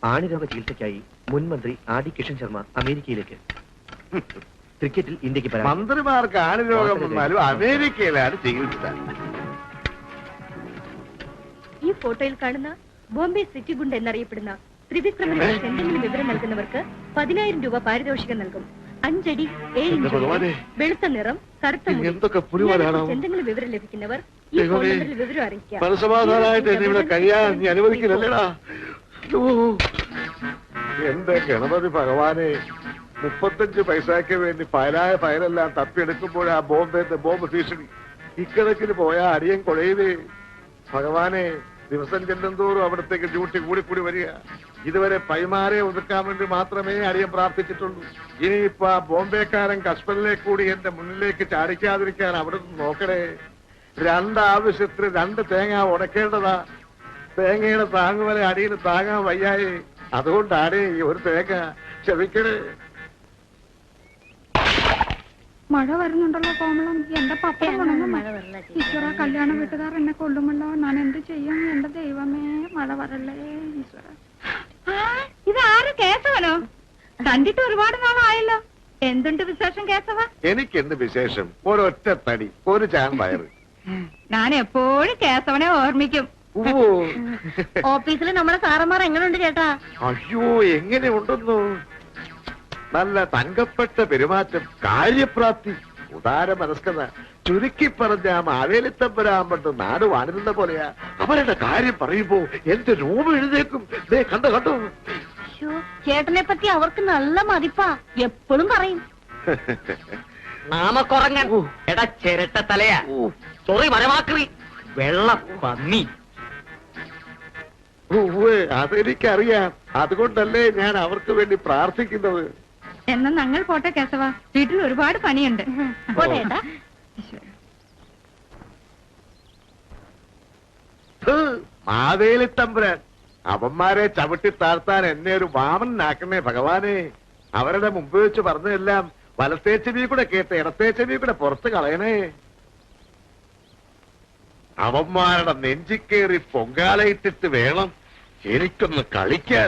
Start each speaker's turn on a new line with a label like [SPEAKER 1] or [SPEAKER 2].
[SPEAKER 1] ആണിരോഗ ചികിത്സയ്ക്കായി മുൻ മന്ത്രി ആർ ഡി കിഷൻ ശർമ്മ അമേരിക്കയിലേക്ക്. ക്രിക്കറ്റിൽ ഇന്ത്യക്ക്
[SPEAKER 2] മന്ത്രിമാർക്ക് ആണിരോഗം വന്നാലും അമേരിക്കയിലാണ് ചികിത്സ.
[SPEAKER 3] ഈ ഫോട്ടോയിൽ കാണുന്ന ബോംബെ സിറ്റി ഗുണ്ട് എന്നറിയപ്പെടുന്ന ത്രിവിക്രമനെ കുറിച്ച് എന്തെങ്കിലും വിവരം നൽകുന്നവർക്ക് 10,000 രൂപ പാരിതോഷികം നൽകും. 5 അടി 7 ഇഞ്ച് വെളുത്ത നിറം, കറുത്ത മുടി. എന്തെങ്കിലും വിവരം ലഭിക്കുന്നവർ ഈ ഫോൺ നമ്പറിൽ വിവരം അറിയിക്കാം.
[SPEAKER 2] എന്റെ ഗണപതി ഭഗവാനെ, 35 പൈസയ്ക്ക് വേണ്ടി ഫയലെല്ലാം തപ്പിയെടുക്കുമ്പോഴാ ബോംബെത്തെ ബോംബ് ഭീഷണി. ഇക്കണക്കിന് പോയാ അടിയൻ കൊഴയിലേ. ഭഗവാനെ, ദിവസം ചെല്ലുന്തോറും അവിടത്തേക്ക് ഡ്യൂട്ടി കൂടി വരിക. ഇതുവരെ പൈമാരെ ഒതുക്കാൻ വേണ്ടി മാത്രമേ അടിയൻ പ്രാർത്ഥിച്ചിട്ടുള്ളൂ. ഇനിയിപ്പോ ആ ബോംബെക്കാരൻ കശ്മീരിലേക്ക് കൂടി എന്റെ മുന്നിലേക്ക് ചാടിക്കാതിരിക്കാൻ അവിടെ നിന്ന് നോക്കണേ. 2 ആവശ്യത്തിന് 2 തേങ്ങ ഉടക്കേണ്ടതാ. തേങ്ങയുടെ താങ്ങുവരെ അടിയിൽ താങ്ങാൻ വയ്യായേ. അതുകൊണ്ടാണ് ഈ ഒരു തേങ്ങ. ക്ഷമിക്കണേ.
[SPEAKER 4] മഴ വരുന്നുണ്ടല്ലോ കോമളം. എന്റെ പപ്പടം ഈശ്വര, കല്യാണ വീട്ടുകാർ എന്നെ കൊല്ലുമല്ലോ. ഞാൻ എന്ത് ചെയ്യും? എന്റെ ദൈവമേ, മഴ വരല്ലേ ഈശ്വര. ഇതാര് കേശവനോ? കണ്ടിട്ട് ഒരുപാട് നാളായല്ലോ. എന്തുണ്ട് വിശേഷം കേശവ?
[SPEAKER 2] എനിക്കെന്ത് വിശേഷം? ഒരൊറ്റ തടി, ഒരു ചാൻ വയറ്.
[SPEAKER 4] ഞാൻ എപ്പോഴും കേശവനെ ഓർമ്മിക്കും.
[SPEAKER 3] ഓഫീസിൽ നമ്മുടെ സാറന്മാർ എങ്ങനെയുണ്ട് ചേട്ടാ?
[SPEAKER 2] അയ്യോ, എങ്ങനെ ഉണ്ടെന്നു? നല്ല തങ്കപ്പെട്ട പെരുമാറ്റം, കാര്യപ്രാപ്തി, ഉദാര മനസ്കത. ചുരുക്കി പറഞ്ഞ മാവേലിത്തമ്പരാമ്പട്ട് നാട് വാണിരുന്ന പോലെയാ. അവരുടെ കാര്യം പറയുമ്പോ എന്റെ രൂപം എഴുതേക്കും. കണ്ടോ?
[SPEAKER 3] ചേട്ടനെ പറ്റി അവർക്ക് നല്ല മതിപ്പാ, എപ്പോഴും പറയും.
[SPEAKER 5] നാമക്കുറങ്ങൻ, എടാ ചിരട്ട തലയാ, സോറി മരമാക്രി, വെള്ള പന്നി.
[SPEAKER 2] അതെനിക്കറിയാം. അതുകൊണ്ടല്ലേ ഞാൻ അവർക്ക് വേണ്ടി പ്രാർത്ഥിക്കുന്നത്.
[SPEAKER 4] എന്നാ ഞങ്ങൾ പോട്ടെ കേശവ, വീട്ടിൽ ഒരുപാട് പണിയുണ്ട്.
[SPEAKER 2] മാവേലിത്തമ്പുരാൻ, അവന്മാരെ ചവിട്ടി താഴ്ത്താൻ എന്നെ ഒരു വാമനാക്കണേ ഭഗവാനെ. അവരുടെ മുമ്പ് വെച്ച് പറഞ്ഞതെല്ലാം വലത്തേ ചെവി കൂടെ കേട്ട് ഇടത്തേ ചെവി കൂടെ പുറത്ത് കളയണേ. അവന്മാരുടെ നെഞ്ചിക്കേറി പൊങ്കാലയിട്ടിട്ട് വേണം എനിക്കൊന്ന് കളിക്കാൻ.